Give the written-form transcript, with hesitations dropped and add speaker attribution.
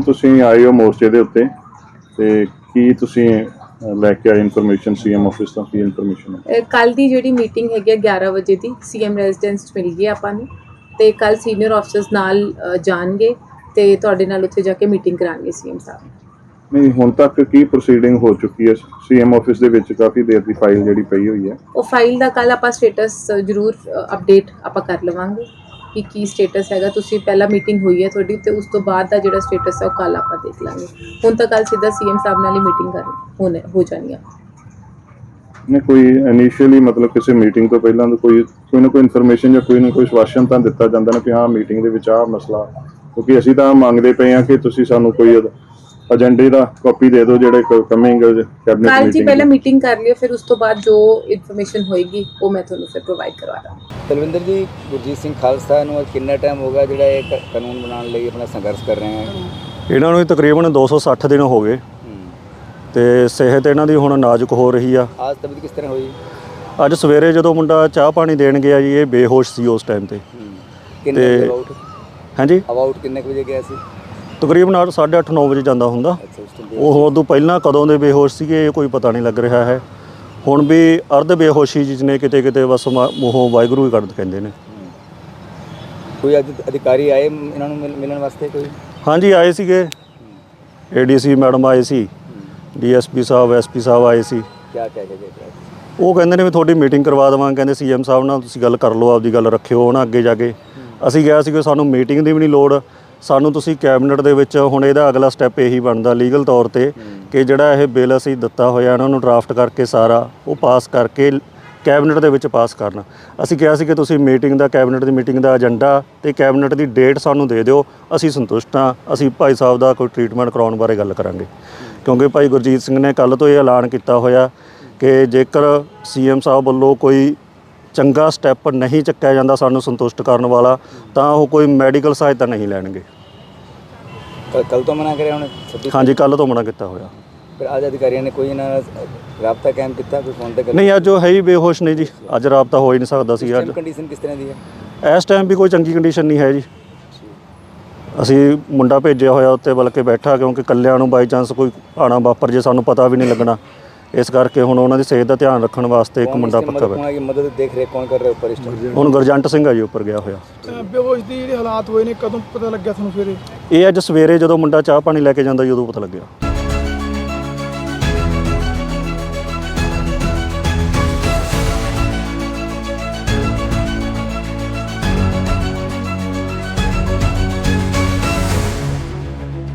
Speaker 1: Ma'am ਤੁਸੀਂ ਆਏ ਹੋ ਮੋਰਚੇ ਦੇ ਉੱਤੇ ਤੇ ਕੀ ਤੁਸੀਂ ਲੈ ਕੇ ਆਏ ਇਨਫੋਰਮੇਸ਼ਨ ਸੀਐਮ ਆਫਿਸ ਤੋਂ ਕੀ ਇਨਫੋਰਮੇਸ਼ਨ ਹੈ?
Speaker 2: ਕੱਲ ਦੀ ਜਿਹੜੀ ਮੀਟਿੰਗ ਹੈਗੀ ਆ 11 ਵਜੇ ਦੀ ਸੀਐਮ ਰੈਜ਼ੀਡੈਂਸ 'ਚ ਮਿਲ ਗਈ ਆਪਾਂ ਨੂੰ ਤੇ ਕੱਲ ਸੀਨੀਅਰ ਆਫਿਸਰਸ ਨਾਲ ਜਾਣਗੇ ਤੇ ਤੁਹਾਡੇ ਨਾਲ ਉੱਥੇ ਜਾ ਕੇ ਮੀਟਿੰਗ ਕਰਾਂਗੇ ਸੀਐਮ ਸਾਹਿਬ।
Speaker 1: ਨਹੀਂ, ਹੁਣ ਤੱਕ ਕੀ ਪ੍ਰੋਸੀਡਿੰਗ ਹੋ ਚੁੱਕੀ ਹੈ ਸੀਐਮ ਆਫਿਸ ਦੇ ਵਿੱਚ? ਕਾਫੀ ਦੇਰ ਦੀ ਫਾਈਲ ਜਿਹੜੀ ਪਈ ਹੋਈ ਹੈ,
Speaker 2: ਉਹ ਫਾਈਲ ਦਾ ਕੱਲ ਆਪਾਂ ਸਟੇਟਸ ਜ਼ਰੂਰ ਅਪਡੇਟ ਆਪਾਂ ਕਰ ਲਵਾਂਗੇ ਕਿ ਕੀ ਸਟੇਟਸ ਹੈਗਾ। ਤੁਸੀਂ ਪਹਿਲਾਂ ਮੀਟਿੰਗ ਹੋਈ ਹੈ ਤੁਹਾਡੀ ਤੇ ਉਸ ਤੋਂ ਬਾਅਦ ਦਾ ਜਿਹੜਾ ਸਟੇਟਸ ਹੈ ਉਹ ਕੱਲ ਆਪਾਂ ਦੇਖ ਲਾਂਗੇ। ਹੁਣ ਤਾਂ ਕੱਲ ਸਿੱਧਾ ਸੀਐਮ ਸਾਹਿਬ ਨਾਲ ਹੀ ਮੀਟਿੰਗ ਹੋ ਜਾਣੀ ਆ।
Speaker 1: ਨੇ ਕੋਈ ਇਨੀਸ਼ੀਅਲੀ ਮਤਲਬ ਕਿਸੇ ਮੀਟਿੰਗ ਤੋਂ ਪਹਿਲਾਂ ਤਾਂ ਕੋਈ ਨਾ ਕੋਈ ਇਨਫੋਰਮੇਸ਼ਨ ਜਾਂ ਕੋਈ ਨਾ ਕੋਈ ਆਸ਼ਵਾਸਨ ਤਾਂ ਦਿੱਤਾ ਜਾਂਦਾ ਨਾ ਕਿ ਹਾਂ ਮੀਟਿੰਗ ਦੇ ਵਿੱਚ ਆਹ ਮਸਲਾ, ਕਿਉਂਕਿ ਅਸੀਂ ਤਾਂ ਮੰਗਦੇ ਪਏ ਹਾਂ ਕਿ ਤੁਸੀਂ ਸਾਨੂੰ ਕੋਈ ਏਜੰਡੇ ਦਾ ਕਾਪੀ ਦੇ ਦਿਓ ਜਿਹੜੇ ਕਮਿੰਗ ਕੈਬਨਿਟ
Speaker 2: ਕੱਲ ਜੀ
Speaker 1: ਮੀਟਿੰਗ।
Speaker 2: ਪਹਿਲਾਂ ਮੀਟਿੰਗ ਕਰ ਲਿਓ, ਫਿਰ ਉਸ ਤੋਂ ਬਾਅਦ ਜੋ ਇਨਫੋਰਮੇਸ਼ਨ ਹੋਏਗੀ ਉਹ ਮੈਂ ਤੁਹਾਨੂੰ ਫਿਰ ਪ੍ਰੋਵਾਈਡ ਕਰਵਾ ਦਾਂਗੀ।
Speaker 3: ਤਲਵਿੰਦਰ ਜੀ, ਗੁਰਜੀਤ ਸਿੰਘ ਖਾਲਸਾ ਨੂੰ ਕਿੰਨਾ ਟਾਈਮ ਹੋ ਗਿਆ ਜਿਹੜਾ ਇਹ ਕਾਨੂੰਨ ਬਣਾਉਣ ਲਈ ਆਪਣਾ ਸੰਘਰਸ਼ ਕਰ ਰਹੇ ਹਨ?
Speaker 4: ਇਹਨਾਂ ਨੂੰ ਤਕਰੀਬਨ 260 ਦਿਨ ਹੋ ਗਏ ਤੇ ਸਿਹਤ ਇਹਨਾਂ ਦੀ ਹੁਣ ਨਾਜ਼ੁਕ ਹੋ ਰਹੀ ਆ।
Speaker 3: ਅੱਜ ਤਬੀਅਤ ਕਿਸ ਤਰ੍ਹਾਂ ਹੋਈ?
Speaker 4: ਅੱਜ ਸਵੇਰੇ ਜਦੋਂ ਮੁੰਡਾ ਚਾਹ ਪਾਣੀ ਦੇਣ ਗਿਆ ਜੀ, ਇਹ ਬੇਹੋਸ਼ ਸੀ ਉਸ ਟਾਈਮ ਤੇ।
Speaker 3: ਕਿੰਨੇ ਵਜੇ ਅਬਾਊਟ?
Speaker 4: ਹਾਂਜੀ,
Speaker 3: ਅਬਾਊਟ ਕਿੰਨੇ ਵਜੇ ਗਿਆ ਸੀ?
Speaker 4: ਤਕਰੀਬਨ 8:30 9 ਵਜੇ ਜਾਂਦਾ ਹੁੰਦਾ।
Speaker 3: ਅੱਛਾ, ਉਸ ਤੋਂ
Speaker 4: ਉਹ ਉਦੋਂ ਪਹਿਲਾਂ ਕਦੋਂ ਦੇ ਬੇਹੋਸ਼ ਸੀਗੇ ਇਹ ਕੋਈ ਪਤਾ ਨਹੀਂ ਲੱਗ ਰਿਹਾ ਹੈ। ਹੁਣ ਵੀ ਅਰਧ ਬੇਹੋਸ਼ੀ ਜਿਹਨੇ ਕਿਤੇ ਕਿਤੇ ਬਸ ਮੂੰਹੋਂ ਵਾਹਿਗੁਰੂ ਹੀ ਕੱਢ ਕਹਿੰਦੇ ਨੇ।
Speaker 3: ਕੋਈ ਅਧਿਕਾਰੀ ਆਏ ਇਹਨਾਂ ਨੂੰ ਮਿਲਣ ਵਾਸਤੇ? ਕੋਈ
Speaker 4: ਹਾਂਜੀ ਆਏ ਸੀਗੇ, ਏਡੀਸੀ ਮੈਡਮ ਆਏ ਸੀ, ਡੀਐਸਪੀ ਸਾਹਿਬ, ਐਸਪੀ ਸਾਹਿਬ ਆਏ ਸੀ।
Speaker 3: ਕਿਆ ਕਹਿ ਕੇ ਗਏ?
Speaker 4: ਉਹ ਕਹਿੰਦੇ ਨੇ ਵੀ ਤੁਹਾਡੀ ਮੀਟਿੰਗ ਕਰਵਾ ਦੇਵਾਂਗੇ। ਕਹਿੰਦੇ ਸੀਐਮ ਸਾਹਿਬ ਨਾਲ ਤੁਸੀਂ ਗੱਲ ਕਰ ਲਓ, ਆਪਦੀ ਗੱਲ ਰੱਖਿਓ ਨਾ ਅੱਗੇ ਜਾ ਕੇ। ਅਸੀਂ ਕਿਹਾ ਸੀ ਕਿ ਸਾਨੂੰ ਮੀਟਿੰਗ ਦੀ ਵੀ ਨਹੀਂ ਲੋੜ, ਸਾਨੂੰ ਤੁਸੀਂ ਕੈਬਨਿਟ ਦੇ ਵਿੱਚ ਹੁਣ ਇਹਦਾ ਅਗਲਾ ਸਟੈਪ ਇਹੀ ਬਣਦਾ ਲੀਗਲ ਤੌਰ ਤੇ ਕਿ ਜਿਹੜਾ ਇਹ ਬਿੱਲ ਅਸੀਂ ਦਿੱਤਾ ਹੋਇਆ ਇਹਨਾਂ ਨੂੰ ਡਰਾਫਟ ਕਰਕੇ ਸਾਰਾ ਉਹ ਪਾਸ ਕਰਕੇ ਕੈਬਨਿਟ ਦੇ ਵਿੱਚ ਪਾਸ ਕਰਨਾ। ਅਸੀਂ ਕਿਹਾ ਸੀ ਕਿ ਤੁਸੀਂ ਮੀਟਿੰਗ ਦਾ ਕੈਬਨਿਟ ਦੀ ਮੀਟਿੰਗ ਦਾ ਏਜੰਡਾ ਤੇ ਕੈਬਨਿਟ ਦੀ ਡੇਟ ਸਾਨੂੰ ਦੇ ਦਿਓ, ਅਸੀਂ ਸੰਤੁਸ਼ਟ ਹਾਂ। ਅਸੀਂ ਭਾਈ ਸਾਹਿਬ ਦਾ ਕੋਈ ਟ੍ਰੀਟਮੈਂਟ ਕਰਾਉਣ ਬਾਰੇ ਗੱਲ ਕਰਾਂਗੇ, ਕਿਉਂਕਿ ਭਾਈ ਗੁਰਜੀਤ ਸਿੰਘ ਨੇ ਕੱਲ੍ਹ ਤੋਂ ਇਹ ਐਲਾਨ ਕੀਤਾ ਹੋਇਆ ਕਿ ਜੇਕਰ ਸੀਐਮ ਸਾਹਿਬ ਵੱਲੋਂ ਕੋਈ ਚੰਗਾ ਸਟੈਪ ਨਹੀਂ ਚੱਕਿਆ ਜਾਂਦਾ ਸਾਨੂੰ ਸੰਤੁਸ਼ਟ ਕਰਨ ਵਾਲਾ, ਤਾਂ ਉਹ ਕੋਈ ਮੈਡੀਕਲ ਸਹਾਇਤਾ ਨਹੀਂ ਲੈਣਗੇ।
Speaker 3: ਕੱਲ ਤੋਂ ਮਨਾ ਕਰਿਆ ਹੁਣ?
Speaker 4: ਹਾਂਜੀ, ਕੱਲ੍ਹ ਤੋਂ ਮਨਾ ਕੀਤਾ ਹੋਇਆ।
Speaker 3: ਫਿਰ ਅੱਜ ਅਧਿਕਾਰੀਆਂ ਨੇ ਕੋਈ ਇਹਨਾਂ ਨਾਲ ਰਾਬਤਾ ਕਾਇਮ ਕੀਤਾ? ਕੋਈ ਫੋਨ ਤੇ?
Speaker 4: ਨਹੀਂ, ਅੱਜ ਉਹ ਹੈ ਹੀ ਬੇਹੋਸ਼ ਨੇ ਜੀ, ਅੱਜ ਰਾਬਤਾ ਹੋ ਹੀ ਨਹੀਂ ਸਕਦਾ ਸੀ। ਅੱਜ
Speaker 3: ਕੰਡੀਸ਼ਨ ਕਿਸ ਤਰ੍ਹਾਂ ਦੀ ਹੈ?
Speaker 4: ਇਸ ਟਾਈਮ ਵੀ ਕੋਈ ਚੰਗੀ ਕੰਡੀਸ਼ਨ ਨਹੀਂ ਹੈ ਜੀ। ਅਸੀਂ ਮੁੰਡਾ ਭੇਜਿਆ ਹੋਇਆ ਉੱਤੇ ਬਲਕਿ ਬੈਠਾ, ਕਿਉਂਕਿ ਇਕੱਲਿਆਂ ਨੂੰ ਬਾਈ ਚਾਂਸ ਕੋਈ ਆਣਾ ਵਾਪਰ ਜੇ ਸਾਨੂੰ ਪਤਾ ਵੀ ਨਹੀਂ ਲੱਗਣਾ। ਇਸ ਕਰਕੇ ਹੁਣ ਉਹਨਾਂ ਦੀ ਸਿਹਤ ਦਾ ਧਿਆਨ ਰੱਖਣ ਵਾਸਤੇ ਇੱਕ ਮੁੰਡਾ ਪੱਕਾ ਬੈਠਾ।
Speaker 3: ਮਦਦ ਦੇਖ ਰਹੇ ਕੌਣ ਕਰ ਰਿਹਾ ਉੱਪਰ ਇਸ ਟਾਈਮ?
Speaker 4: ਹੁਣ ਗੁਰਜੰਟ ਸਿੰਘ ਆ ਜੀ ਉੱਪਰ ਗਿਆ ਹੋਇਆ।
Speaker 5: ਬੇਹੋਸ਼ ਦੀ ਜਿਹੜੇ ਹਾਲਾਤ ਹੋਏ ਨੇ ਕਦੋਂ ਪਤਾ ਲੱਗਿਆ ਤੁਹਾਨੂੰ? ਫਿਰ
Speaker 4: ਇਹ ਅੱਜ ਸਵੇਰੇ ਜਦੋਂ ਮੁੰਡਾ ਚਾਹ ਪਾਣੀ ਲੈ ਕੇ ਜਾਂਦਾ ਜੀ ਉਦੋਂ ਪਤਾ ਲੱਗਿਆ।